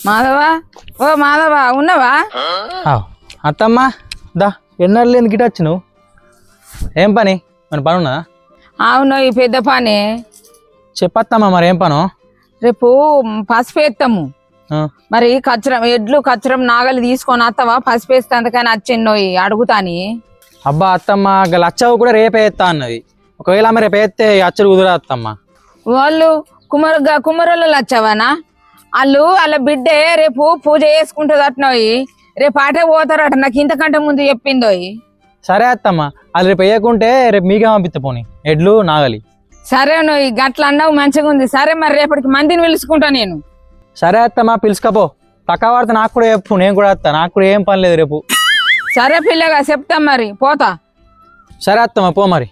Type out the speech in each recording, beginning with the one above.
మాధవా, ఓ మాధవా, ఉన్నావా? అత్తమ్మా దా ఎన్నడూ లేని గిట వచ్చి నువ్వు ఏం పని మన పని ఉన్నదా? అవును, ఈ పెద్ద పని. చెప్పత్తమ్మా మరి ఏం పను? రేపు పసుపు వేస్తాము. మరి కచ్చరం ఎడ్లు కచ్చరం నాగలి తీసుకొని వస్తావా? పసుపు వేస్తే అందుకని వచ్చిన్నోయి అడుగుతాని. అబ్బా అత్తమ్మ లచ్చవు కూడా రేపే వేస్తా అన్నది. ఒకవేళ ఆమె రేపు వేస్తే అచ్చడు కుదరా అత్తమ్మ. వాళ్ళు కుమ్మరోళ్ళు వచ్చావానా? వాళ్ళు వాళ్ళ బిడ్డే రేపు పూజ చేసుకుంటుంది అట్నోయి. రేపు ఆటే పోతారట, నాకు ఇంతకంటే ముందు చెప్పిందోయి. సరే అత్తమ్మ, అది రేపు వేయకుంటే రేపు మీకే పంపిస్తా పోనీ ఎడ్లు నాగలి. సరే నువ్వు గట్ల అన్నావు, మంచిగా ఉంది. సరే మరి రేపటికి మందిని పిలుచుకుంటా నేను. సరే అత్తమ్మ పిలుచుకపో. పక్క వాడితే నాకు కూడా చెప్పు, నేను కూడా వస్తా. నాకు కూడా ఏం పని లేదు రేపు. సరే పిల్లగా చెప్తాం, మరి పోతా. సరే అత్తమ్మ పో మరి.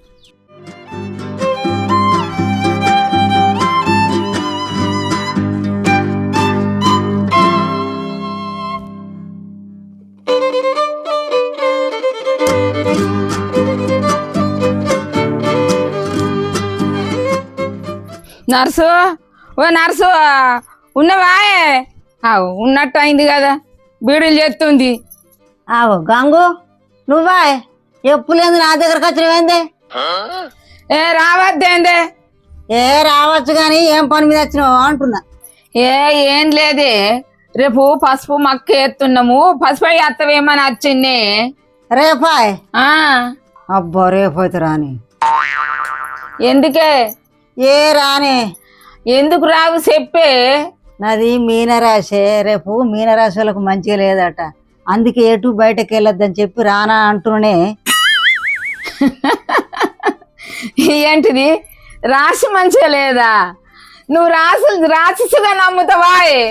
నర్సు, ఓ నర్సు, ఉన్నవా? ఉన్నట్టు అయింది కదా, బీడీలు చేస్తుంది. ఆగో గంగు, నువ్వా? ఎప్పులేదు నా దగ్గరకు వచ్చినవేందే? రావద్దేందే? రావచ్చు గాని ఏం పని మీద వచ్చినావు అంటున్నా. ఏం లేదే, రేపు పసుపు మక్క ఎత్తున్నాము, పసుపు ఎత్తవేమని వచ్చింది. రేపాయ్? అబ్బా రేపు రాని. ఎందుకే? రానే. ఎందుకు రావు చెప్పే. నాది మీనరాశే, రేపు మీనరాశి వాళ్ళకు మంచిగా లేదట, అందుకే ఎటు బయటకు వెళ్ళొద్దని చెప్పి రానా అంటున్నానే. ఏంటిది రాశి మంచిగా లేదా? నువ్వు రాశిగా నమ్ముతావా?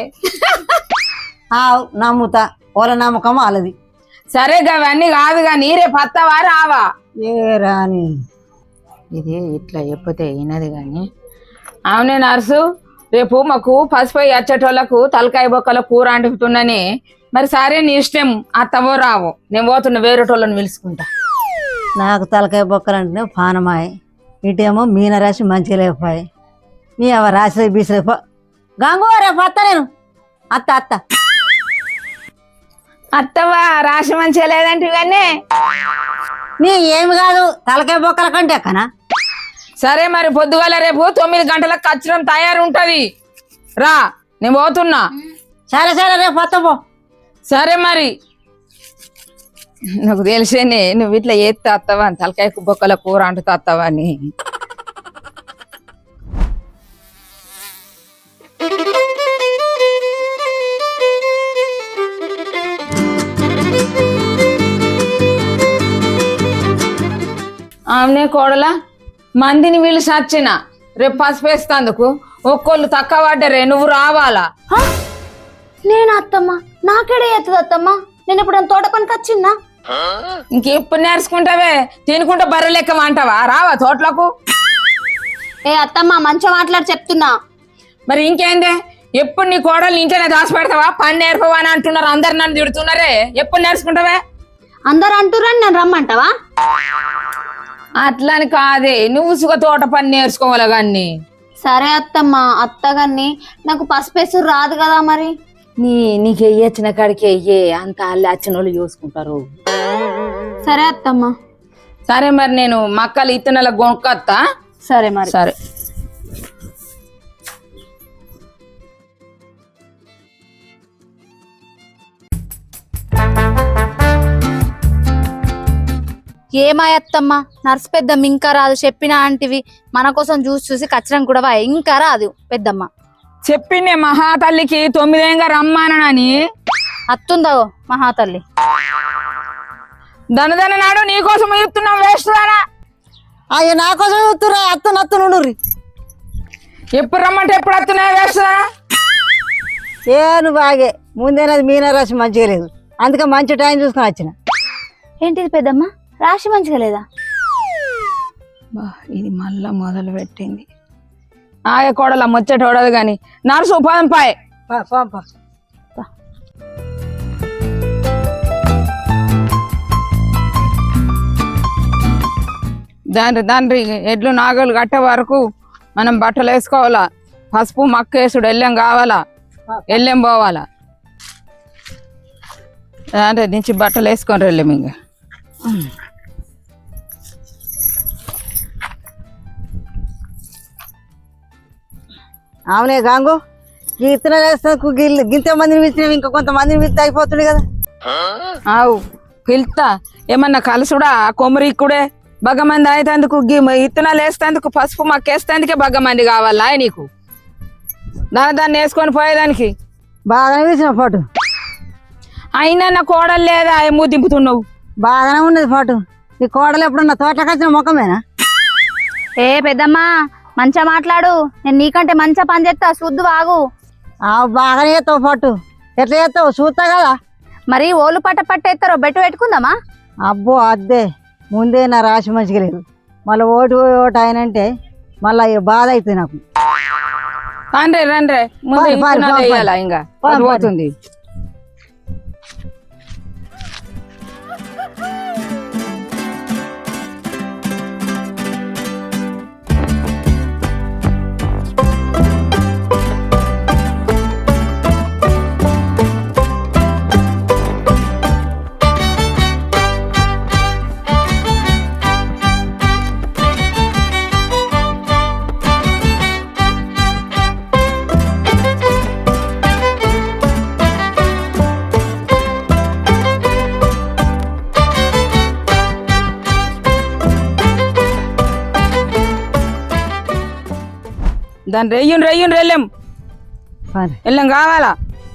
నమ్ముతా, వాళ్ళ నమ్మకం వాళ్ళది. సరే అవన్నీ కాదు కానీ రేపు వస్తావా రావా? రాని. ఇది ఇట్లా చెప్పతే అయినది కానీ. అవునే నర్సు, రేపు మాకు పసుపు వచ్చేటోళ్ళకు తలకాయ బొక్కల కూర అంటున్నానే. మరి సరే నీ ఇష్టం, అత్తవో రావో, నేను పోతున్నా వేరేటోళ్ళని పిలుచుకుంటా. నాకు తలకాయ బొక్కలంటేనే పానమాయి, ఇటేమో మీనరాశి మంచిగా లేకపోయి. నీ అవ రాసి బీసలేపో. గంగు రేపు అత్త, నేను అత్త. అత్తవా రాశి మంచిగా లేదంటే ఇవన్నీ నీ ఏమి కాదు, తలకాయ బొక్కల కంటే కనా. సరే మరి పొద్దుగాల రేపు 9 గంటలకు కచ్చరం తయారు ఉంటది, రా, నేను పోతున్నా. సరే రేపు వస్తాపో. సరే మరి, నాకు తెలిసేనే నువ్వు ఇట్లా ఏత్తే వస్తావా అని, తలకాయ బొక్కల కూర అంటుతా వస్తావా అని. ఆమెనే కోడలా, మందిని వీళ్ళు సచ్చిన రేపు పసుపు వేస్తందుకు ఒక్కోళ్ళు తక్కువ పడ్డరే, నువ్వు రావాలా? నేను అత్తమ్మ, నాకేడే ఎత్తది అత్తమ్మ, నేను ఇప్పుడు తోట పనికి వచ్చిందా? ఇంకెప్పుడు నేర్చుకుంటావే, తినుకుంటా బర్రె లెక్క అంటావా? రావా తోటలకు? అత్తమ్మ మంచిగా మాట్లాడి చెప్తున్నా. మరి ఇంకేందే, ఎప్పుడు నీ కోడలు ఇంట్లోనే దాచి పెడతావా? పని నేర్పవా అని అంటున్నారు, అందరు నన్ను తిడుతున్నారే. ఎప్పుడు నేర్చుకుంటావే? అందరు అంటురని నేను రమ్మంటావా? అట్లని కాదే, నువ్వు సుగ తోట పని నేర్చుకోవాలి కానీ. సరే అత్తమ్మ, అత్తగారిని నాకు పసుపేసు రాదు కదా. మరి నీకు వెయ్యొచ్చిన కాడికి వెయ్యే, అంత అల్లి వచ్చిన వాళ్ళు చూసుకుంటారు. సరే అత్తమ్మ. సరే మరి నేను మక్కలు ఇత్తనాల గొంకొత్తా. సరే మరి. సరే. ఏమాయత్తమ్మ, నర్సు పెద్దమ్మ ఇంకా రాదు చెప్పినా అంటివి, మన కోసం చూసి కచ్చరం కూడా ఇంకా రాదు పెద్దమ్మ. చెప్పిండే మహాతల్లికి 9 రమ్మానని. అత్తుందో మహాతల్లి? దనదన నాడు నీకోసం చెప్తున్నాం, వేస్తున్నారా? అయ్యో నా కోసం చూస్తురా, అత్తును. ఎప్పుడు రమ్మంటే ఎప్పుడు వస్తున్నా, వేస్తున్నారా? నువ్వు బాగే ముందేనది మీనరాశి మంచిగా లేదు, అందుకే మంచి టైం చూసుకొని వచ్చిన. ఏంటిది పెద్దమ్మ, రాశి మంచిగా లేదా? ఇది మళ్ళా మొదలు పెట్టింది. ఆగే కోడలా ముచ్చటోడదు గాని, నర్సు ఉపాధం పాయ్. దాని ఎడ్లు నాగలు కట్టే వరకు మనం బట్టలు వేసుకోవాలా, పసుపు మక్క వేసుడు ఎల్లం కావాలా. వెళ్ళేం పోవాలా అంటే నుంచి బట్టలు వేసుకొని వెళ్ళాము ఇంకా అవునే గాంగు ఈ ఇత్తనాలు వేస్తాకు గింత మందిని పిలిచినవి ఇంకా కొంతమందిని పిలిస్తే అయిపోతుంది కదా. ఆవు పిలుతా ఏమన్నా కలుసుడా కొమ్మరిక్కుడే బగ్గమంది అయితందుకు ఇత్తనాలు వేస్తేందుకు పసుపు మక్కేస్తేందుకే బగ్గమంది కావాలా నీకు దాన్ని వేసుకొని పోయేదానికి బాగానే పిలిచిన పాటు అయినా నా కోడలు లేదా ఏమో దింపుతున్నావు బాగానే ఉన్నది పాటు. నీ కోడలు ఎప్పుడన్నా తోటలోకి వచ్చిన ముఖమేనా? ఏ పెద్దమ్మా మంచిగా మాట్లాడు, నేను నీకంటే మంచిగా పని చేస్తా, చూద్దు బాగు. బాగానే చేస్తావు పాటు. ఎట్లా చేస్తావు చూస్తా కదా. మరి ఓళ్ళు పట్టేస్తారో బెట్టు పెట్టుకుందామా? అబ్బో అద్దే ముందే నా రాశి మంచిగా లేదు, మళ్ళీ ఓటు ఆయనంటే మళ్ళీ బాధ అవుతుంది నాకు. రండ్రే ముందు ఇత్తనాలు వేయాలా ఇంకా పోతుంది. దాన్ని రెయ్యుని వెళ్ళాం కావాలా.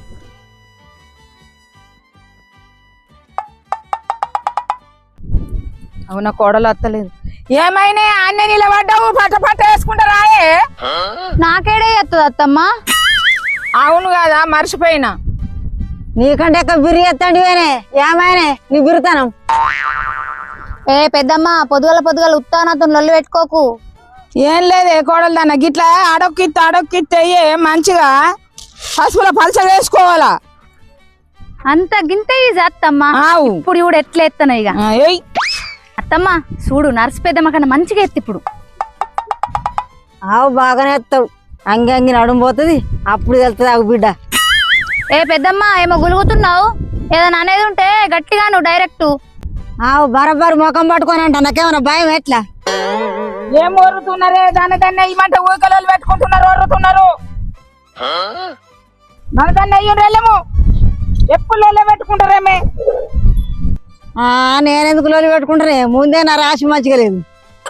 అవునా కోడలు అత్తలేదు. ఏమైనా అన్నీ నిలబడ్డావు పట్ట వేసుకుంటారా? నాకేడే ఎత్తది అత్తమ్మా. అవును కదా మర్చిపోయినా. నీకంటే ఎక్క బిర్రి ఎత్తండి ఏమైనా నీ బిరుతానం. ఏ పెద్దమ్మా పొద్దుగల ఉత్తానతో లొల్లి పెట్టుకోకు. ఏం లేదే కోడలు దాన్న గిట్లా అడొక్కిత్తే మంచిగా పసుపులో పలచ వేసుకోవాలా. అంత గింత ఈజీ అత్తమ్మా. ఇప్పుడు ఇప్పుడు ఎట్లా ఎత్తాను ఇక అత్తమ్మా చూడు, నర్సు పెద్దమ్మ కన్నా మంచిగా ఎత్తి ఇప్పుడు. బాగానే ఎత్తావు, అంగి నడుము పోతుంది అప్పుడు వెళ్తుంది ఆగు బిడ్డ. ఏ పెద్దమ్మా ఏమో గులుగుతున్నావు, ఏదైనా అనేది ఉంటే గట్టిగా నువ్వు డైరెక్ట్. బరబరు ముఖం పట్టుకొని అంట, నాకేమన్నా భయం ఎట్లా? ఏం ఓరుతున్నారే దాన్ని ఇమంటే ఊకలు పెట్టుకుంటున్నారు ఓరుతున్నారు. మన దాన్ని అయ్యి వెళ్ళము ఎప్పుడు లోలే పెట్టుకుంటారేమే. నేనెందుకు లోలి పెట్టుకుంటానే, ముందే నా రాశి మంచిగా లేదు.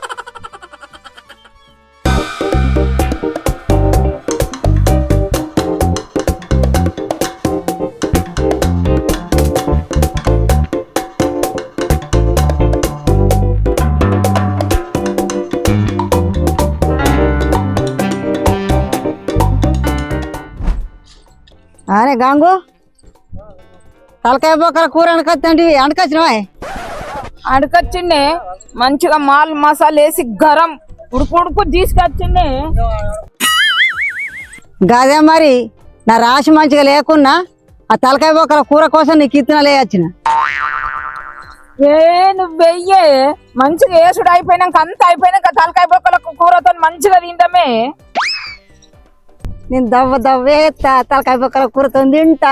అరే గాంగు, తలకాయ బొక్కల కూర అంటకొచ్చినవా? అడకొచ్చిండే మంచిగా మాల్ మసాలా వేసి గరం ఉడుకు తీసుకొచ్చిండే. గదే మరి నా రాశి మంచిగా లేకున్నా ఆ తలకాయ బొక్కల కూర కోసం నీకు ఇత్తనాలు వేయొచ్చిన. నువ్వు వెయ్యే మంచిగా వేసుడు అయిపోయినాక అంత అయిపోయినాక తలకాయ బొక్కల కూరతో మంచిగా తింటామే. నేను దవ్వేస్తా తలకాయ బొక్కల కూరతో తింటా.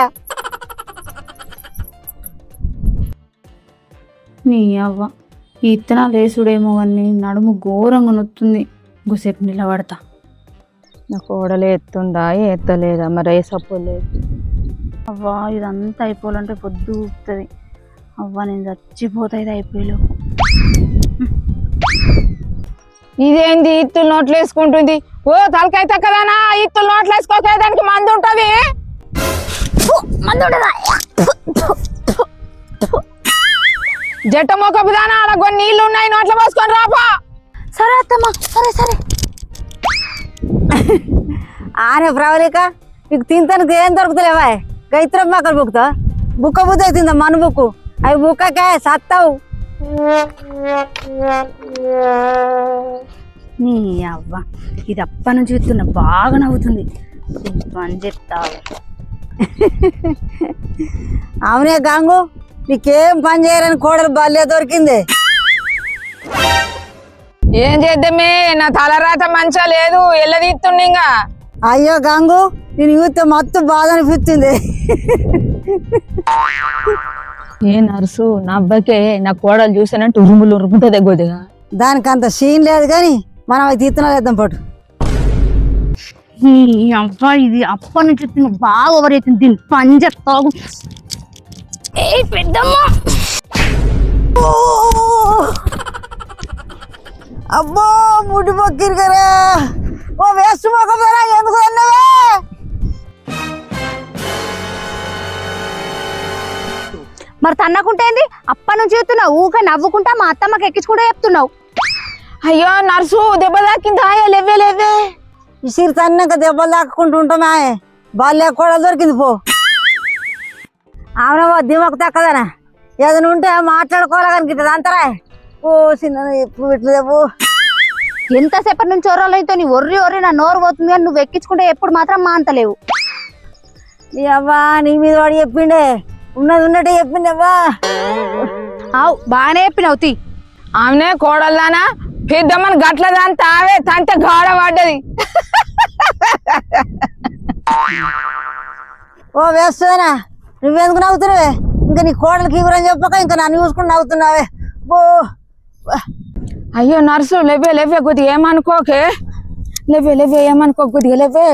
నీ అవ్వ ఈ ఇత్తనాలు వేసుడేమో కానీ నడుము ఘోరంగా నొత్తుంది. గుసేపు నిలబడతా. నా కోడలే ఎత్తుందా ఎత్తలేదా మరి వేసపోలేదు. అవ్వా ఇదంతా అయిపోవాలంటే పొద్దు ఊపుతుంది. అవ్వ నేను చచ్చిపోతా ఇది అయిపోయేలోపు. ఇదేంది ఇత్తులు నోట్లు వేసుకుంటుంది? ఓ తలకాయ తక్కదానా ఇత్తులు నోట్లు వేసుకోకే, దానికి మందు ఉంటది. జట్ట మొక్కపు దానా అలా కొన్ని నీళ్లు ఉన్నాయి నోట్లో పోసుకొని రాపా. సరే అత్తమ్మా సరే. ఆనే ప్రవళిక నీకు తింటానికి ఏం దొరుకుతలేవా? గైత్రం మొక్కలు బుక్కుతా బుక్క బుద్ధ అవుతుందా మన బుక్కు అవి బుక్కకే సత్తావు. నీ అవ్వ ఇది అప్ప నుంచి చూస్తున్నా బాగా నవ్వుతుంది. పని చెప్తావు. అవునే గాంగు, నీకేం పని చేయరని కోడలు బల్లే దొరికింది. ఏం చేద్దామే, నా తలరాత మంచిగా లేదు ఎల్లదీస్తుండే. ఇంకా అయ్యో గాంగు, నేను చూస్తే మొత్తం బాధ అనిపిస్తుంది. ఏ నర్సు నా అబ్బాయికే నా కోడలు చూసానంటే ఉరుముతుంది కొద్దిగా. దానికి అంత సీన్ లేదు కానీ మనం అది తీర్థనాలు వేద్దాం పట్టు. ఈ అబ్బా ఇది అప్ప నుంచి తిన్న బాగా ఓవర్ అవుతుంది. దీన్ని పంజెత్తాగు. ఏ పెద్దమ్మ అబ్బో ముడి పక్కిరు కదా. ఓ వేస్ట్ మొక్కరా ఎందుకు అన్నావే? మరి తన్నకుంటేంది అప్ప నుంచి చెప్తున్నావు. ఊక నవ్వుకుంటా మా అత్తమ్మకి ఎక్కించుకుంటా చెప్తున్నావు. అయ్యో నర్సు దెబ్బ తాకిందా? లేవే లేవే. ఇసిరి తన్నాక దెబ్బలు దాక్కుంటూ ఉంటామే. బాల్య కూడా దొరికింది పో. అవునవో దిమ్మకు తక్కదనా ఏదైనా ఉంటే మాట్లాడుకోవాలి కనిపిస్తుంది అంతరా. ఓ చిన్న ఎప్పుడు పెట్టలేవు. ఎంతసేపటి నుంచి ఒర్రలైతే నీ ఒర్రి ఒర్రి నా నోరు పోతుంది కానీ నువ్వు ఎక్కించుకుంటే ఎప్పుడు మాత్రం మాంతలేవు. నీ అవ్వా నీ మీద వాడు చెప్పిండే ఉన్నది ఉన్నట్టే చెప్పింది అవ్వా. అవు బాగానే చెప్పినావు తీ. ఆమెనే కోడల్లానా పెద్దమ్మని గట్ల దాని తావే తంతే గాడ పడ్డది. ఓ వేస్తానా నువ్వెందుకు నవ్వుతున్నావే? ఇంకా నీ కోడలికి ఇవ్వరని చెప్పక ఇంకా నన్ను చూసుకుని నవ్వుతున్నావే. ఓ అయ్యో నర్సు లేవే లేవే కొద్దిగా ఏమనుకోకే. లేవే లేవే ఏమనుకో కొద్దిగా లేవే.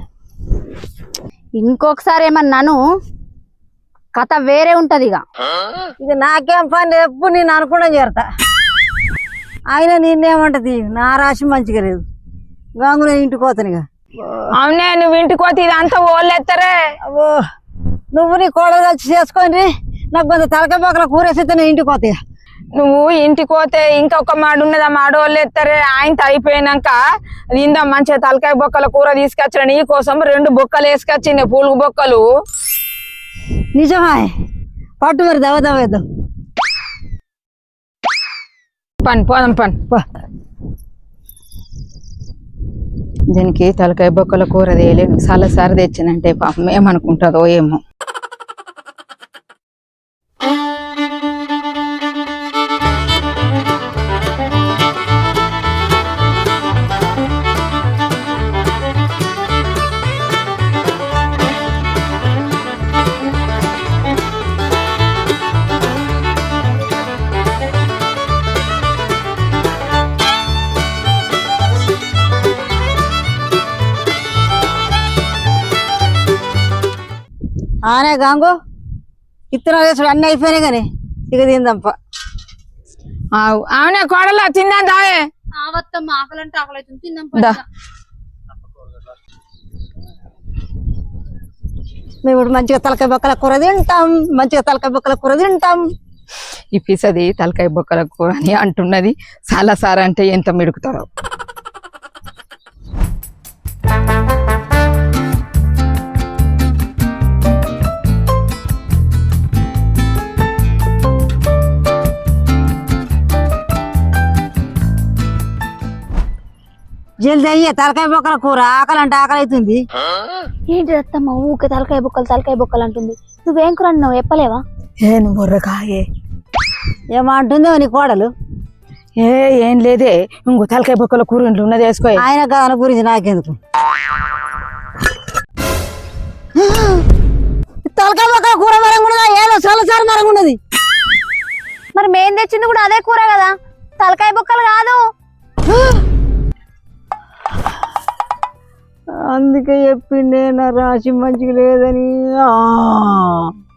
ఇంకొకసారి ఏమన్నాను కథ వేరే ఉంటది. ఇక నాకేం పని ఎప్పుడు నేను అనుకుండా చేరతా. ఆయన నిన్నేమంటది నా రాశి మంచిగా లేదు. గాంగు నేను ఇంటికి పోతాను ఇక. అవునే నువ్వు ఇంటికి పోతే ఇదంతా ఓళ్ళెత్తరే. అబ్బో నువ్వు నీ కోడలు కలిసి చేసుకొని నాకు కొంత తలకాయ పక్కల కూరేసితే నేను ఇంటికి పోతాయి. నువ్వు ఇంటికి పోతే ఇంకొక మాడు ఉన్నది. ఆ మాడు వాళ్ళు ఎత్తారే. ఆయనతో అయిపోయినాక ఇందా మంచిగా తలకాయ బొక్కల కూర తీసుకొచ్చిన నీ కోసం 2 బొక్కలు వేసుకొచ్చింది పూలుగు బొక్కలు. నిజమా? పట్టు మరి దవ దవ వేద్దాం. పని పోదాం పని. దీనికి తలకాయ బొక్కల కూర తేయలేదు. చాలాసారి తెచ్చినంటే పాపం ఏమనుకుంటుందో ఏమో. ఆనే గాంగు ఇత్తనాలు వేసుడు అన్నీ అయిపోయినాయి కానీ ఇక తిందంప. అవునే కోడలా తిందా దాయే. మేము ఇప్పుడు మంచిగా తలకాయ బొక్కల కూర తింటాం. మంచిగా తలకాయ బొక్కల కూర తింటాం. ఈ పిసది తలకాయ బొక్కల కూర అని అంటున్నది. చాలాసారి అంటే ఎంత మిడుకుతారో. జల్దీ అయ్యే తలకాయ బొక్కల కూర. ఆకలి అంటే ఆకలి అవుతుంది. ఏంటి అత్తమ్మ ఊకే తలకాయ బొక్కలు అంటుంది. నువ్వేం కూర అన్నావు చెప్పలేవా? నువ్వు బొర్రకాయే ఏమంటుందో నీ కోడలు. ఏం లేదే ఇంకో తలకాయ బొక్కల కూర ఇంట్లో ఉన్నది వేసుకో. ఆయన దాని గురించి నాకెందుకు. తలకాయ బొక్కల కూర మరంగా ఏదో చాలాసార్లు మరంగా ఉన్నది. మరి మేం తెచ్చింది కూడా అదే కూర కదా, తలకాయ బొక్కలు కాదు. అందుకే చెప్పిండే నా రాశి మంచిగా లేదని.